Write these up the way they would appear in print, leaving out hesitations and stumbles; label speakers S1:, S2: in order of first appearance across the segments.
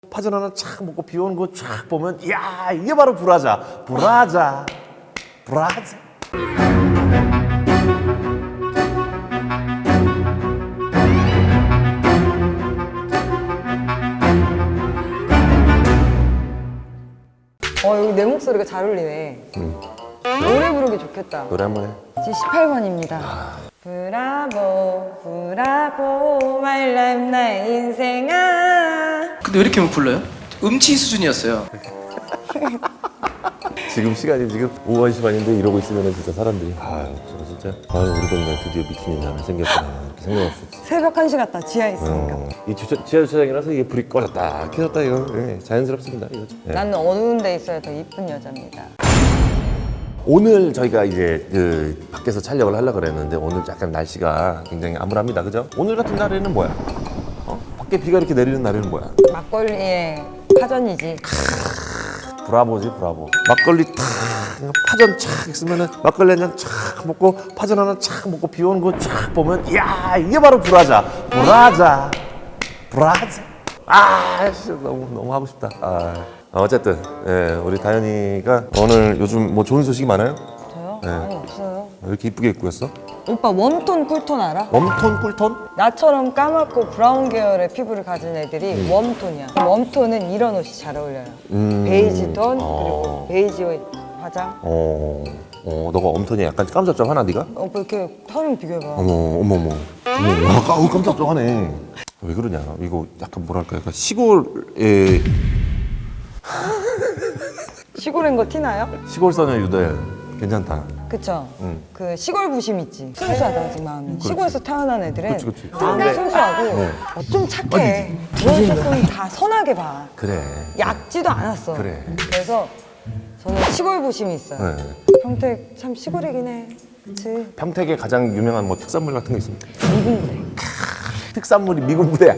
S1: 파전 하나 착 먹고 비 오는 거 쫙 보면 이야 이게 바로 브라자.
S2: 여기 내 목소리가 잘 어울리네. 노래 부르기 좋겠다.
S1: 노래 한번 해.
S2: 제 18번입니다. 브라보 브라보 마이 라이프 나의 인생아.
S3: 근데 왜 이렇게 못 불러요? 음치 수준이었어요.
S1: 지금 시간이 지금 오후 1시 반인데 이러고 있으면 진짜 사람들이 저거 진짜 우리 동네 드디어 미친년이 하나 생겼구나 이렇게 생각할 수 있어.
S2: 새벽 1시 같다. 지하에 있으니까.
S1: 이 지하 주차장이라서 이게 불이 꺼졌다 켜졌다 이거 자연스럽습니다. 이거. 네.
S2: 나는 어두운 데 있어야 더 이쁜 여자입니다.
S1: 오늘 저희가 이제 밖에서 촬영을 하려고 그랬는데 오늘 약간 날씨가 굉장히 암울합니다. 그죠? 오늘 같은 날에는 뭐야? 밖에 비가 이렇게 내리는 날에는 뭐야?
S2: 막걸리에 파전이지.
S1: 브라보지 브라보. 막걸리 탁 파전 착 있으면은 막걸리 한 잔 착 먹고 파전 하나 착 먹고 비 오는 거 쫙 보면 이야 이게 바로 브라자. 진짜 너무 하고 싶다. 어쨌든 우리 다현이가 오늘 요즘 뭐 좋은 소식이 많아요?
S2: 저요?
S1: 네.
S2: 아니 없어요.
S1: 왜 이렇게 이쁘게 입고 있어?
S2: 오빠 웜톤 쿨톤 알아?
S1: 웜톤 쿨톤?
S2: 나처럼 까맣고 브라운 계열의 피부를 가진 애들이 웜톤이야. 웜톤은 이런 옷이 잘 어울려요. 베이지 톤 그리고 베이지 화장.
S1: 너가 웜톤이 약간 깜짝하나 네가?
S2: 오빠 이렇게 털을 비교해봐.
S1: 어머. 깜짝하네. 왜 그러냐? 이거 약간 뭐랄까, 약간 시골의
S2: 시골인 거 티나요?
S1: 시골 소녀 유대 괜찮다.
S2: 그쵸?
S1: 응.
S2: 그 시골 부심 있지. 순수하다 아직 마음이. 시골에서 태어난 애들은
S1: 그렇지.
S2: 마음이 순수하고 좀 착해. 넌 조금 다 선하게 봐.
S1: 그래.
S2: 얕지도 않았어.
S1: 그래.
S2: 그래서 저는 시골 부심이 있어요.
S1: 네.
S2: 평택 참 시골이긴 해. 그치?
S1: 평택에 가장 유명한 뭐 특산물 같은 거 있습니까?
S2: 미군부대.
S1: 특산물이 미군 부대야.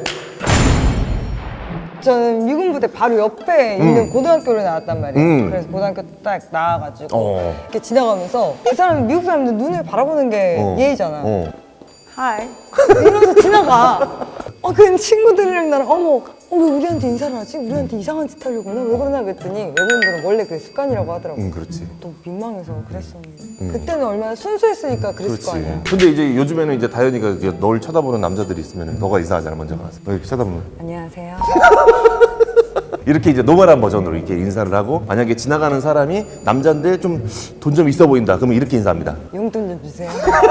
S2: 저는 미군부대 바로 옆에 있는 고등학교를 나왔단 말이에요.
S1: 음.
S2: 그래서 고등학교 딱 나와가지고
S1: 어.
S2: 이렇게 지나가면서 그 사람이 미국 사람들 눈을 바라보는 게 예의잖아. 하이 이러면서 지나가. 그 친구들이랑 나랑 왜 우리한테 인사를 하지? 우리한테 이상한 짓 하려고 그러나? 왜 그러나 그랬더니 외국인들은 원래 그게 습관이라고 하더라고.
S1: 그렇지.
S2: 너무 민망해서 그랬었는데 그때는 얼마나 순수했으니까 그랬을 거 아니야.
S1: 근데 이제 요즘에는 이제 다현이가 이렇게 널 쳐다보는 남자들이 있으면 너가 이상하잖아 먼저 가서. 너 이렇게 쳐다보면
S2: 안녕하세요.
S1: 이렇게 이제 노멀한 버전으로 이렇게 인사를 하고 만약에 지나가는 사람이 남자인데 좀 돈 좀 있어 보인다. 그러면 이렇게 인사합니다.
S2: 용돈 좀 주세요.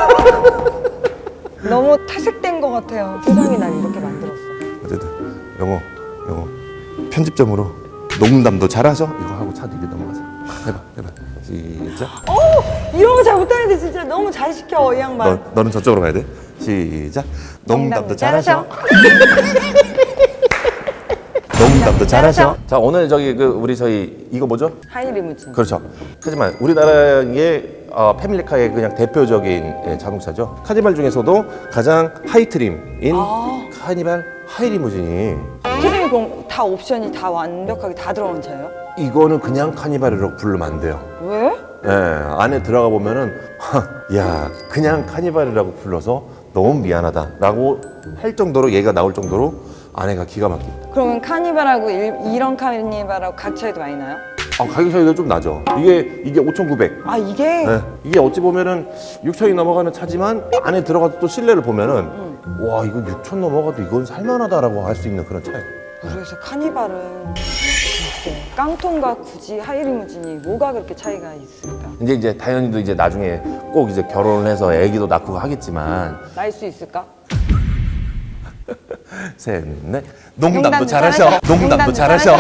S2: 너무 탈색된 것 같아요. 세상이 날 이렇게 만들었어.
S1: 어쨌든 영어 편집점으로 농담도 잘하셔 이거 하고 차 뒤로 넘어가자. 해봐 시작.
S2: 이런 거 잘 못하는데 진짜 너무 잘 시켜 이 양반.
S1: 너는 저쪽으로 가야 돼. 시작. 농담도 잘하셔. 농담도 잘하셔. 자 오늘 우리 저희 이거 뭐죠?
S2: 하이리무진.
S1: 그렇죠. 하지만 우리나라의 패밀리카의 그냥 대표적인 자동차죠. 카니발 중에서도 가장 하이트림인 카니발 하이리무진이
S2: 트림이 그럼 다 옵션이 다 완벽하게 다 들어간 차예요?
S1: 이거는 그냥 카니발이라고 부르면 안 돼요.
S2: 왜?
S1: 안에 들어가 보면은 야 그냥 카니발이라고 불러서 너무 미안하다라고 할 정도로 얘가 나올 정도로 안에가 기가 막힙니다.
S2: 그러면 카니발하고 이런 카니발하고 가격 차이도 많이 나요?
S1: 가격 차이가 좀 나죠. 이게 5,900.
S2: 이게?
S1: 이게 어찌 보면은 6천이 넘어가는 차지만 안에 들어가서 또 실내를 보면은 와 이거 6천 넘어가도 이건 살만하다라고 할 수 있는 그런 차예요.
S2: 그래서 카니발은 글쎄, 깡통과 굳이 하이리무진이 뭐가 그렇게 차이가 있을까?
S1: 이제 다현이도 이제 나중에 꼭 이제 결혼을 해서 애기도 낳고 하겠지만
S2: 날 수 있을까?
S1: 셋, 넷. 농담도 잘하셔. 농담도 잘하셔.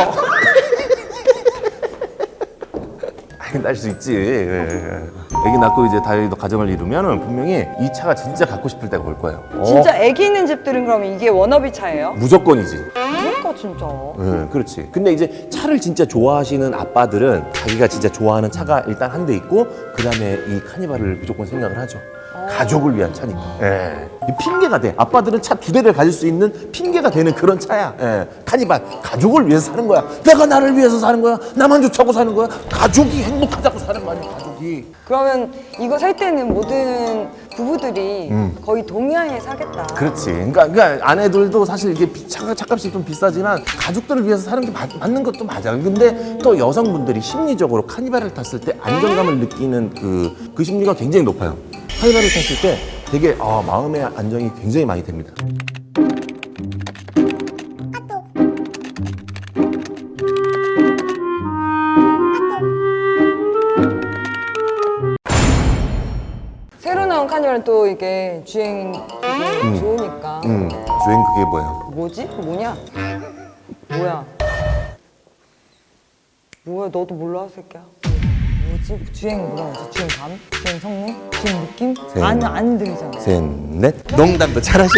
S1: 날 수 있지. 애기 낳고 이제 다현이도 가정을 이루면 분명히 이 차가 진짜 갖고 싶을 때가 올 거예요.
S2: 진짜 애기 있는 집들은 그러면 이게 워너비 차예요?
S1: 무조건이지.
S2: 그러니까 진짜.
S1: 그렇지. 근데 이제 차를 진짜 좋아하시는 아빠들은 자기가 진짜 좋아하는 차가 일단 한 대 있고 그 다음에 이 카니발을 무조건 생각을 하죠. 가족을 위한 차니까. 이 핑계가 돼. 아빠들은 차 2대를 가질 수 있는 핑계가 되는 그런 차야. 카니발. 가족을 위해서 사는 거야. 내가 나를 위해서 사는 거야. 나만 좋자고 사는 거야. 가족이 행복하자고 사는 거 아니야, 가족이.
S2: 그러면 이거 살 때는 모든 부부들이 거의 동의하에 사겠다.
S1: 그렇지. 그러니까 아내들도 사실 이게 차값이 좀 비싸지만 가족들을 위해서 사는 게 맞는 것도 맞아. 근데 또 여성분들이 심리적으로 카니발을 탔을 때 안정감을 느끼는 그 심리가 굉장히 높아요. 카니발을 탔을 때 되게 마음의 안정이 굉장히 많이 됩니다.
S2: 새로 나온 카니발은 또 이게 주행이 좋으니까.
S1: 주행 그게 뭐예요?
S2: 뭐지? 뭐냐? 뭐야? 뭐야? 너도 몰라, 새끼야. 뭐지? 주행 뭐라 하지? 주행감? 주행 성능? 주행 느낌? 안 들리잖아.
S1: 셋, 넷. 농담도 잘하셔.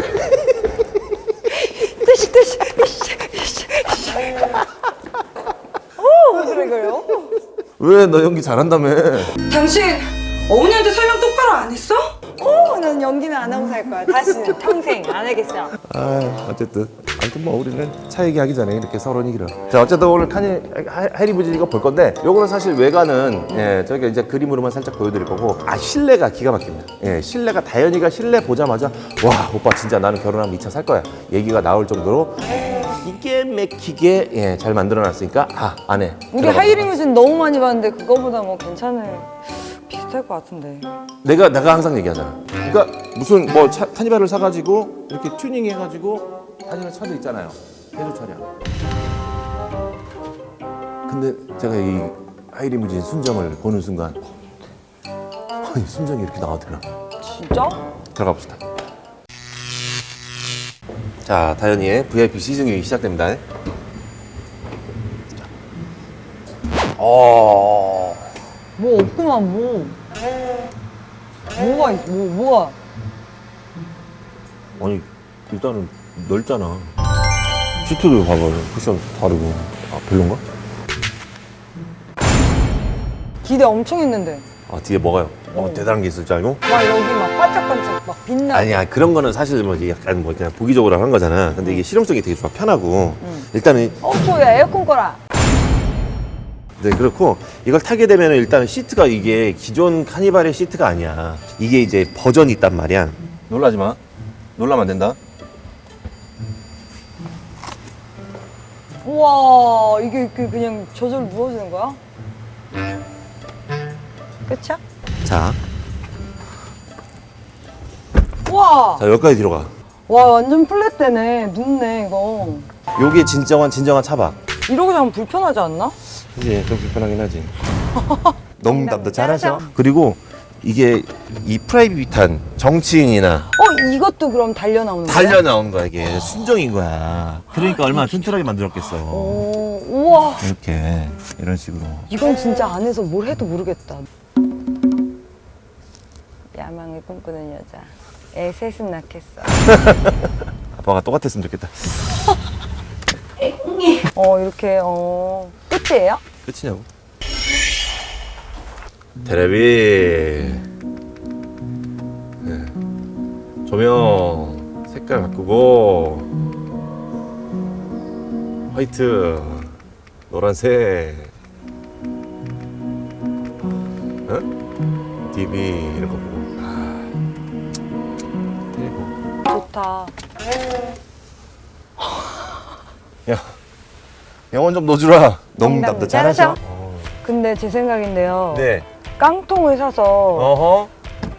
S2: 뜨시. 그래, 그래요?
S1: 왜 너 연기 잘한다며?
S4: 당신 어머니한테 설명 똑바로 안 했어?
S2: 난 연기는 안 하고 살 거야. 다시는 평생 안 하겠어.
S1: 어쨌든 뭐 우리는 차 얘기하기 전에 이렇게 서로 얘기를. 자, 어쨌든 오늘 하이리무진 이거 볼 건데, 요거는 사실 외관은 저희가 이제 그림으로만 살짝 보여드릴 거고, 실내가 기가 막힙니다. 실내가 다현이가 실내 보자마자 와 오빠 진짜 나는 결혼하면 이 차 살 거야 얘기가 나올 정도로 기계 막히게 잘 만들어놨으니까 안에.
S2: 우리
S1: 들어갑니다.
S2: 하이리무진 너무 많이 봤는데 그거보다 뭐 비슷할 것 같은데.
S1: 내가 항상 얘기하잖아. 그러니까 무슨 뭐 카니발을 사가지고 이렇게 튜닝해가지고 다니는 차도 있잖아요. 해조 차량. 근데 제가 이 하이리무진 순정을 보는 순간 아니 순정이 이렇게 나오더라.
S2: 진짜?
S1: 들어가 봅시다. 자, 다현이의 VIP 시승이 시작됩니다.
S2: 뭐 없구만 뭐. 뭐가 있어? 뭐가?
S1: 아니 일단은 넓잖아. 시트도 봐봐요. 쿠션 다르고. 별론가?
S2: 기대 엄청 했는데.
S1: 뒤에 뭐가요? 대단한 게 있을 줄 알고?
S2: 막 여기 막 반짝반짝 막 빛나.
S1: 아니야, 그런 거는 사실 뭐 약간 뭐 그냥 보기적으로 한 거잖아. 근데 이게 실용성이 되게 좋아, 편하고. 일단은
S2: 야 에어컨 꺼라.
S1: 네, 그렇고 이걸 타게 되면 일단 시트가 이게 기존 카니발의 시트가 아니야. 이게 이제 버전이 있단 말이야. 놀라지 마. 놀라면 안 된다.
S2: 우와 이게 그냥 저절로 누워지는 거야? 끝이야?
S1: 자,
S2: 우와.
S1: 자 여기까지 뒤로 가.
S2: 와 완전 플랫되네. 눕네 이거.
S1: 요게 진정한 차박.
S2: 이러고 자면 불편하지 않나?
S1: 그치, 좀 불편하긴 하지. 농담도 잘하셔. 그리고 이게 이 프라이빗한 정치인이나
S2: 이것도 그럼 달려 나오는 거야?
S1: 달려 나온 거야. 이게 순정인 거야. 그러니까 얼마나 튼튼하게 만들었겠어.
S2: 우와.
S1: 이렇게 이런 식으로.
S2: 이건 진짜 안에서 뭘 해도 모르겠다. 야망을 꿈꾸는 여자. 애 셋은 낳겠어.
S1: 아빠가 똑같았으면 좋겠다.
S2: 이렇게 끝이에요?
S1: 끝이냐고? 테레비. 네. 조명 색깔 바꾸고 화이트, 노란색, TV 이런 거 보고. 그리고
S2: 좋다.
S1: 야, 영원 좀 넣어주라. 농담도 잘하셔.
S2: 근데 제 생각인데요.
S1: 네.
S2: 깡통을 사서
S1: 어허.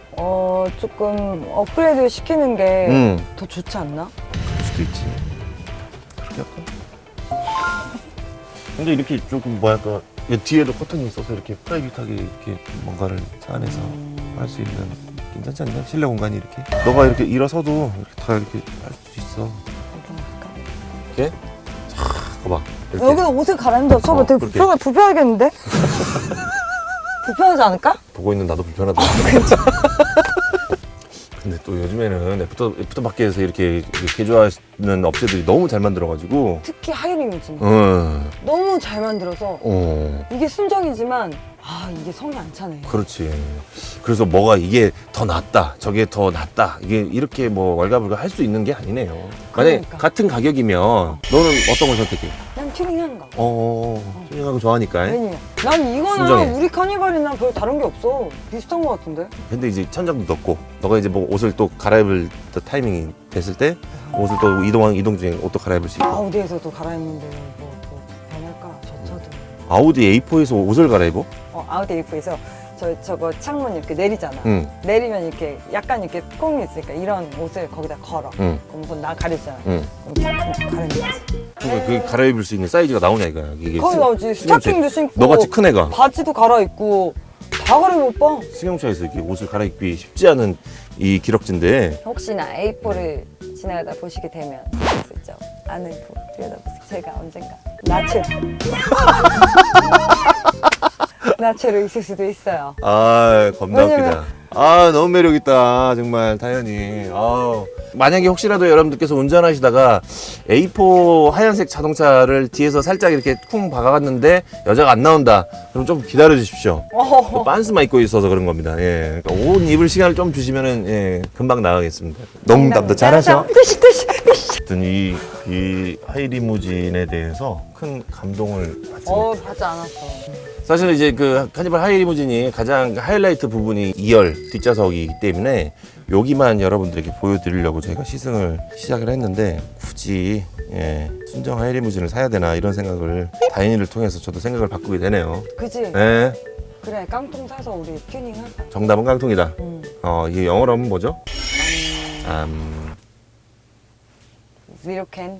S2: 조금 업그레이드 시키는 게 더 좋지 않나?
S1: 그럴 수도 있지. 그렇게 할까? 근데 이렇게 조금 뭐랄까 뒤에도 커튼이 있어서 이렇게 프라이빗하게 이렇게 뭔가를 차 안에서 할 수 있는 괜찮지 않나? 실내 공간이 이렇게. 너가 이렇게 일어서도 이렇게 다 이렇게 할 수 있어. 이렇게. 자, 봐봐. 이렇게.
S2: 여기서 옷을 갈아입는다. 저거 되게
S1: 그렇게.
S2: 불편하겠는데? 불편하지 않을까?
S1: 보고 있는 나도 불편하다. 근데 또 요즘에는 애프터 마켓에서 이렇게 개조하는 업체들이 너무 잘 만들어가지고.
S2: 특히 하이리무진.
S1: 어.
S2: 너무 잘 만들어서 이게 순정이지만 아 이게 성이 안 차네.
S1: 그렇지. 그래서 뭐가 이게 더 낫다, 저게 더 낫다, 이게 이렇게 뭐 왈가불가 할 수 있는 게 아니네요. 만약에
S2: 그러니까.
S1: 같은 가격이면 너는 어떤 걸 선택해?
S2: 난 튜닝하는 거.
S1: 튜닝하고 좋아하니까.
S2: 왜냐면 난 이거는
S1: 순정해.
S2: 우리 카니발이랑 별 다른 게 없어. 비슷한 거 같은데.
S1: 근데 이제 천장도 넓고, 너가 이제 뭐 옷을 또 갈아입을 또 타이밍이 됐을 때 옷을 또 이동 중에 옷도 갈아입을 수 있고.
S2: 아우디에서도 갈아입는데 뭐 변할까? 저도.
S1: 아우디 A4에서 옷을 갈아입어?
S2: 아우디 A4에서 저거 창문 이렇게 내리잖아.
S1: 응.
S2: 내리면 이렇게 약간 이렇게 콩이 있으니까 이런 옷을 거기다 걸어.
S1: 응.
S2: 그럼 그건 나 가리잖아.
S1: 응.
S2: 그럼 가리는 거지.
S1: 그러니까 그 갈아입을 수 있는 사이즈가 나오냐 이거야. 이게
S2: 거기 나오지. 스타킹도 신고.
S1: 너같이 큰 애가
S2: 바지도 갈아입고 다 갈아입어 오빠.
S1: 승용차에서 이렇게 옷을 갈아입기 쉽지 않은 이 기럭지인데
S2: 혹시나 A4를 지나가다 보시게 되면 알 수 있죠. 안을 들여다보세요. 제가 언젠가 나체로 있을 수도 있어요.
S1: 아 겁나
S2: 왜냐면-
S1: 웃기다. 아 너무 매력있다 정말 다현이. 만약에 혹시라도 여러분들께서 운전하시다가 A4 하얀색 자동차를 뒤에서 살짝 이렇게 쿵 박아갔는데 여자가 안 나온다, 그럼 좀 기다려 주십시오. 빤스만 입고 있어서 그런 겁니다. 예. 그러니까 옷 입을 시간을 좀 주시면은 예, 금방 나가겠습니다. 농담도 잘하셔. 어쨌든 이 하이리무진에 대해서 큰 감동을 받습니다.
S2: 받지 않았어.
S1: 사실 이제 그 카니발 하이리무진이 가장 하이라이트 부분이 2열 뒷좌석이기 때문에 여기만 여러분들에게 보여드리려고 저희가 시승을 시작을 했는데, 굳이 순정 하이리무진을 사야 되나 이런 생각을 다인이를 통해서 저도 생각을 바꾸게 되네요.
S2: 그지?
S1: 네,
S2: 그래 깡통 사서 우리 튜닝하자.
S1: 정답은 깡통이다.
S2: 응.
S1: 이게 영어로 하면 뭐죠?
S2: Zero can.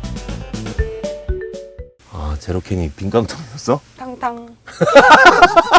S1: 제로캔이 빈 깡통이었어?
S2: 탕탕.